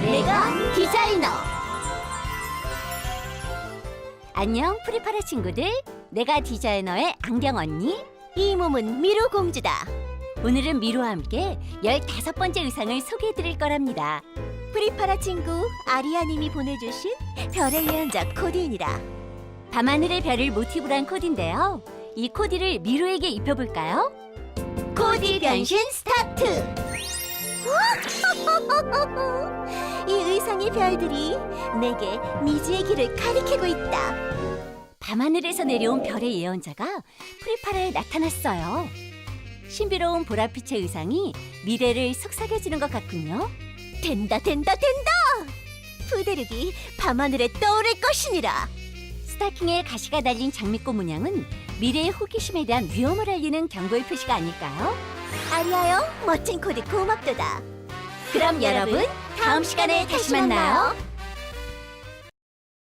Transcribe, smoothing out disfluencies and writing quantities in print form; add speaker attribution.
Speaker 1: 내가 디자이너. 안녕 프리파라 친구들, 내가 디자이너의 안경 언니, 이 몸은 미로 공주다. 오늘은 미로와 함께 15번째 의상을 소개해 드릴 거랍니다. 프리파라 친구 아리아님이 보내주신 별의 예언자 코디입니다. 밤하늘의 별을 모티브로 한 코디인데요, 이 코디를 미로에게 입혀볼까요? 코디 변신 스타트! 이 의상의 별들이 내게 미지의 길을 가리키고 있다. 밤하늘에서 내려온 별의 예언자가 프리파라에 나타났어요. 신비로운 보랏빛의 의상이 미래를 속삭여주는 것 같군요. 된다 된다 된다! 푸대륙이 밤하늘에 떠오를 것이니라. 스타킹에 가시가 달린 장미꽃 문양은 미래의 호기심에 대한 위험을 알리는 경고의 표시가 아닐까요? 아리아요, 멋진 코디 고맙도다. 그럼 여러분, 다음 시간에 다시 만나요.